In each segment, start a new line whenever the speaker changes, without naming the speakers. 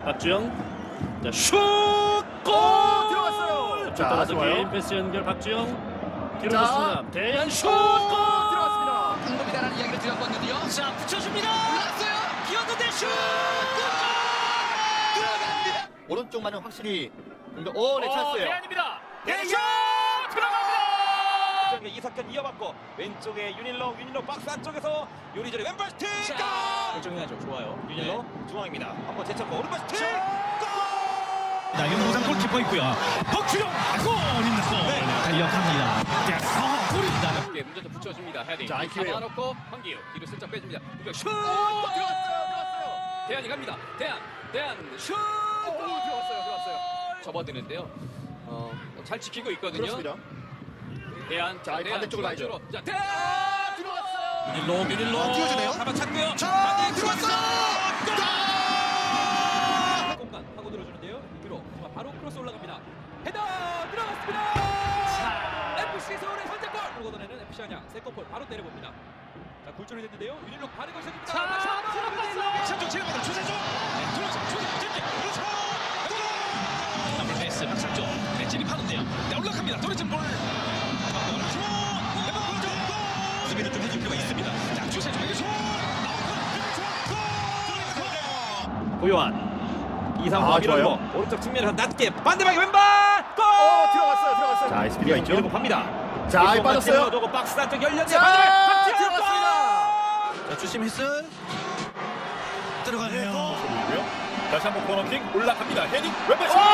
박주영, 자, 슛! 골!
들어갔어요.
자, 따라서 개인 패스 연결 박주영 뒤로 줬습니다. 대한 슛! 골!
들어갔습니다.
방법이다라는 이야기를 드렸거든요.
자, 붙여줍니다.
올랐어요.
기었는데 슛!
들어갑니다.
오른쪽만은 확실히 네, 찬스예요.
대한입니다. 대한 들어갑니다. 이석현 이어받고 왼쪽에 윤일로 박스 안쪽에서 요리조리 왼발 스틱. 결정해야죠. 좋아요. 윤일로 중앙입니다. 한번 제쳤고 오른발 스틱.
자, 윤호상 골키퍼 있고요. 박주영 골입니다. 달려갑니다. 골입니다.
문제 좀 붙여줍니다. 헤딩.
자, 기회요.
잡아놓고 황기우 뒤로 슬쩍 빼줍니다. 슛!
들어갔어요.
대한이 갑니다. 대한 슛!
들어갔어요.
접어드는데요. 잘 지키고 있거든요.
그렇습니다.
대한
자, 반대쪽으로 가야죠.
자, 대한
들어갔어요.
윤일로
띄워주네요.
잡아찼고요.
자, 들어갔어요.
공간 하고 들어주는데요. 위로 바로 크로스 올라갑니다. 헤더 들어갔습니다. FC 서울의 선제골. 걷어내는 FC 안양 세컨볼 바로 때려봅니다. 자, 굴절이 됐는데요. 윤일로 바르고 시작합니다.
들어갔어요. 선쪽 지나가다 주세종. 들어서 그렇죠. 더블 패스 박상조. 진입하는데요. 네, 올라갑니다. 도리진 볼. 수비를 좀 해줄 필요가 있습니다. 자, 주세종에게 슛.
고요한 이상호
좋아요.
밀어주고 오른쪽 측면에서 낮게 반대방에 왼발 골!
들어갔어요. 자, 스피드가 있죠.
밀고 갑니다.
자, 빠졌어요.
고 박스 안쪽 열렸네.
자,
반대방
들어갔습니다.
자, 주심 휘슬. 들어가네요.
다시 한번 코너킥 올라갑니다. 헤딩 왼발 슛!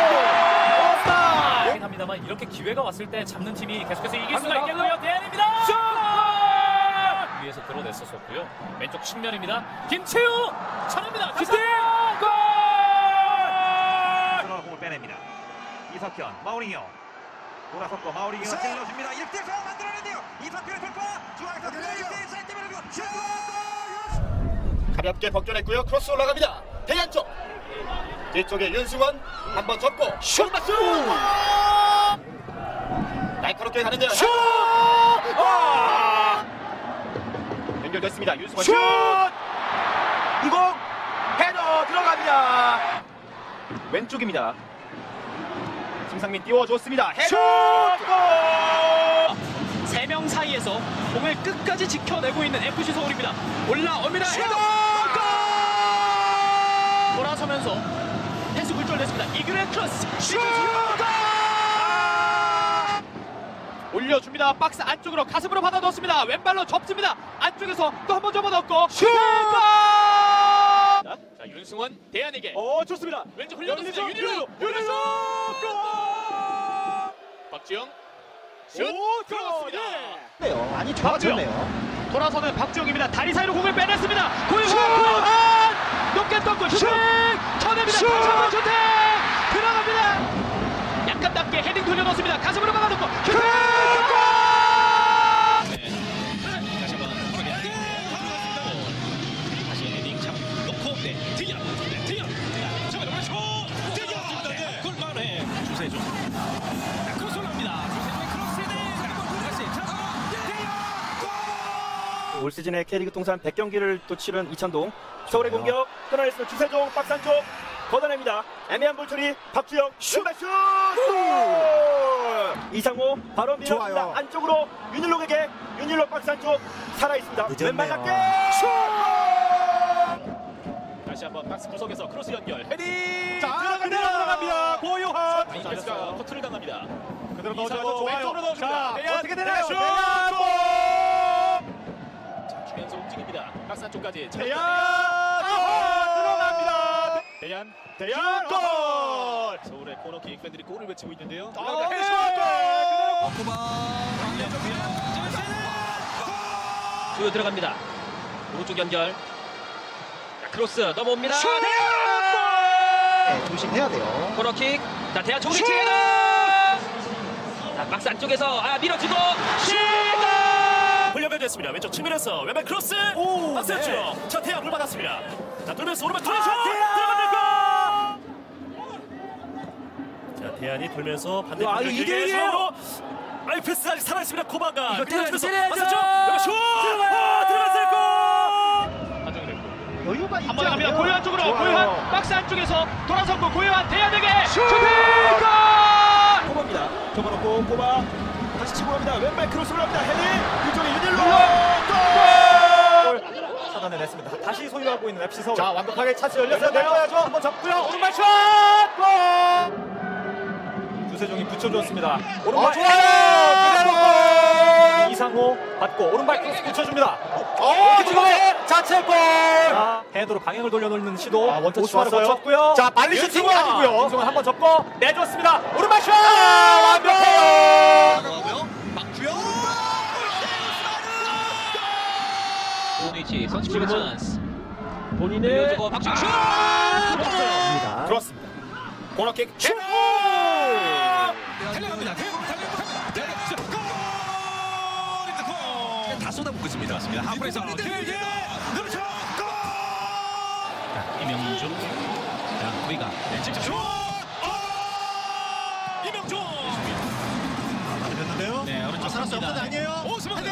하긴 합니다만 이렇게 기회가 왔을 때 잡는 팀이 계속해서 이길 수가 있겠고요. 대한입니다.
슛!
위에서 들어냈었고요. 왼쪽 측면입니다. 김채우 차례입니다. 슈팅! 골!
들어가 공을 빼냅니다. 이석현, 마우링요. 돌아섰고 마우링요 찔러줍니다. 1대4 만들어내네요. 이석현의 돌파. 중앙에서 들어가요. 사이드 밀고 슛!
가볍게 벗겨냈고요. 크로스 올라갑니다. 대한 쪽. 뒤쪽에 윤승원 한번 접고 슛! 날카롭게 가는데요. 슛! 연결됐습니다. 윤승원 슛! 이공 헤더 들어갑니다. 왼쪽입니다. 심상민 띄워줬습니다. 헤더 골!
3명 사이에서 공을 끝까지 지켜내고 있는 FC 서울입니다. 올라옵니다. 헤더! 골! 돌아서면서 패스 굴절됐습니다. 이규의 크로스 슛! 올려줍니다. 박스 안쪽으로 가슴으로 받아 넣었습니다. 왼발로 접습니다. 안쪽에서 또 한 번 접어 넣고 슛! 자, 윤승원 대한에게
좋습니다.
왼쪽 흘려줬습니다. 윤일로 박주영 슛 들어갔습니다.
많이 좋아졌네요.
돌아서는 박주영입니다. 다리 사이로 공을 빼냈습니다. 고유환 높게 떴고 슈팅 쳐냅니다. 다시 한번 슈팅 들어갑니다. 약간 낮게 헤딩 돌려놓습니다. 가슴으로 막아놓고 슈팅
다시 한번 다시 헤딩 잡고 뒤야 정말 오른쪽 뒤야 골만해 주세종 크로스 올라갑니다.
올 시즌에 K리그 통산 100경기를 또 치른 이찬동. 서울의 공격 끊어냈으면 주세종 박스 안쪽 걷어냅니다. 애매한 볼 처리 박주영 슛! 이상호 바로 밀어줍니다.
좋아요.
안쪽으로 윤일록에게 윤일록 박스 안쪽 살아있습니다. 왼발 낮게 슛!
다시 한번 박스 구석에서 크로스 연결 헤딩
들어갑니다. 고요한
베이스가 커트를 당합니다.
그대로
넣어줘야죠. 왼쪽으로 넣어줍니다. 대한,
어떻게 되나요?
슛!
대한 골!
자, 주면서 움직입니다. 박스 안쪽까지
대한 들어갑니다. 대한 골!
서울의 코너킥 팬들이 골을 외치고 있는데요.
헤딩!
쭉 들어갑니다. 오른쪽 연결. 자, 크로스 넘어옵니다.
네, 조심해야 돼요.
코너킥. 자, 대한 조리치 헤더. 자, 박스 안쪽에서 밀어주고 슛! 흘려배졌습니다. 왼쪽 측면에서 왼발 크로스. 박스 안쪽. 자, 대한 볼 받았습니다. 자, 돌면서 오른발 돌아서 들어갑니다. 자, 대한이 돌면서 반대쪽
이대일이에요.
패스 아직 살아있습니다. 코바가
이거 때려야죠.
맞았죠? 슛! 들어갔어요. 골!
여유가 있지
한번 갑니다.
않아요?
고요한 쪽으로
좋아요.
고요한 박스 안쪽에서 돌아섰고 고요한 대안에게 슈팅!
코바입니다. 접어놓고 코바 다시 치고 갑니다. 왼발 크로스 올라갑니다. 헤딩 뒤쪽에 유닐로 골! 차단해냈습니다. 다시 소유하고 있는 FC 서울.
자, 완벽하게 차스 열렸어요. 내려야죠. 한번 잡고요.
오른발 슛! 골! 주세종이 붙여줬습니다. 오른발
좋아요.
이상호 받고 오른발 크로스 붙여줍니다.
지금 자책골.
헤더로 방향을 돌려놓는 시도.
원터치
오스마르
좋았어요.
거쳤고요.
자, 빨리 슈팅
윤승환!
아니고요.
윤승환 한번 접고 내줬습니다. 오른발 슛!
완벽해요.
오니치 선취골 찬스.
본인의
밀어주고 박준호 슛!
들어왔습니다. 코너킥 슛!
달려갑니다. 대부분 달려갑니다. 골! 다 쏟아붓고 있습니다. 맞습니다. 하프에서 길게 그렇죠. 골! 자, 이명준. 자, 우리가 직접 슛! 이명준.
됐는데요.
네, 오른쪽
살았어요.
갑니다.
없는 아니에요.
오스만.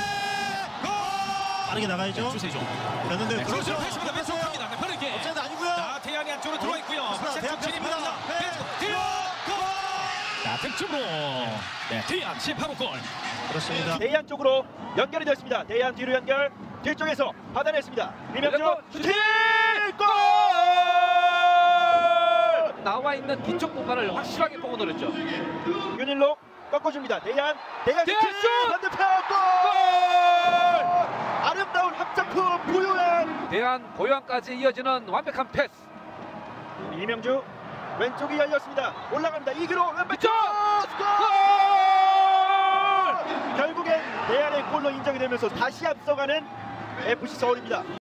빠르게 나가야죠.
주세종.
됐는데요.
네,
그렇죠.
그렇죠. 했습니다. 왼쪽 갑니다. 네, 빠르게.
업사이드 아니고요.
자, 태양이 안쪽으로 들어와 있고요.
대학
진입니다. 자, 득점으로. 네, 태양 18호 골.
그렇습니다.
대양 쪽으로 연결이 됐습니다. 대양 뒤로 연결. 뒤쪽에서 받아냈습니다. 이명준 슈팅! 골!
나와 있는 뒤쪽 공간을 확실하게 보고 노렸죠.
윤일로 꺾어줍니다. 대양 슈팅! 반대편 골! 아름다운 합작품 고요한
대한 고요한까지 이어지는 완벽한 패스.
이명주 왼쪽이 열렸습니다. 올라갑니다. 이기로 왼쪽 골! 결국엔 대안의 골로 인정이 되면서 다시 앞서가는 FC 서울입니다.